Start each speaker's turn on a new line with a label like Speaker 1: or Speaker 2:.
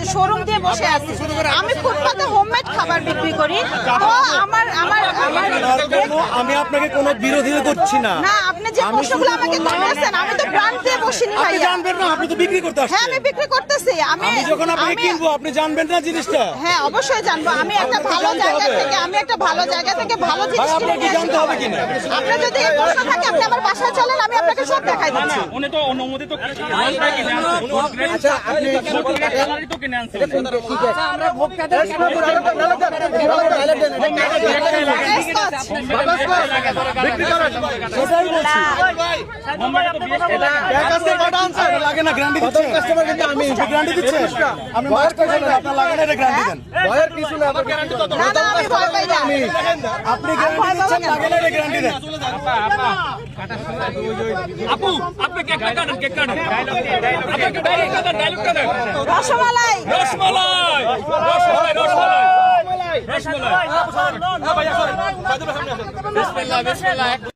Speaker 1: Showroom দিয়ে বসে আছি। আমি ফুটপাতে হোমমেড খাবার বিক্রি করি। তো আমার আমার আমার
Speaker 2: আমি আপনাকে কোনো বিরোধিতা করছি না।
Speaker 1: না, আপনি যে প্রশ্নগুলো আমাকে করতেছেন, আমি তো ব্র্যান্ড দিয়ে বসিনি
Speaker 2: আপনি
Speaker 1: ভাইয়া।
Speaker 2: জানবেন না, আপনি তো বিক্রি করতে
Speaker 1: হ্যাঁ,
Speaker 2: আসছেন।
Speaker 1: আমি বিক্রি করতেছি।
Speaker 2: আমি যখন আপনাকে কিনবো আপনি জানবেন না জিনিসটা।
Speaker 1: হ্যাঁ, অবশ্যই জানবো। আমি একটা ভালো জায়গা থেকে ভালো জিনিস কিনে
Speaker 2: আপনাকে
Speaker 1: নিয়ে
Speaker 2: জানতে
Speaker 1: আসবো।
Speaker 2: হবে কিনা?
Speaker 1: আপনার যদি এই প্রশ্ন থাকে আপনি আমার বাসায় চলেন, আমি আপনাকে সব দেখাই দিচ্ছি।
Speaker 3: উনি তো অনুমোদিত মালটা কিনে আনছেন।
Speaker 2: আচ্ছা আপনি
Speaker 3: গ্যালারি তো কিনে আনছেন।
Speaker 4: আমরা ভোক্তাদের
Speaker 2: সেটাই বলছি।
Speaker 3: বোম্বাইয়ে তো 20 টাকা।
Speaker 2: এক আছে কটা আনছেন? লাগে না গ্যারান্টি দিচ্ছেন। কাস্টমার কিন্তু আমি গ্যারান্টি দিচ্ছেন। আপনি মাস্টার ছিলেন, আপনার লাগে না, এটা গ্যারান্টি দেন। ভয়ের কিছু না, আমার গ্যারান্টি তো
Speaker 1: না, না, আমি ভয় পাই না।
Speaker 2: আপনি গ্যারান্টি দিচ্ছেন, লাগে না, এটা গ্যারান্টি দেন।
Speaker 3: আপু আপনি কেক কাটেন, কেক কাটেন। আপনাকে ডায়লগ কাটেন, ডায়লগ কাটেন।
Speaker 1: রসমালাই
Speaker 3: রসমালাই রসমালাই রসমালাই রসমালাই। বিসমিল্লাহ বিসমিল্লাহ।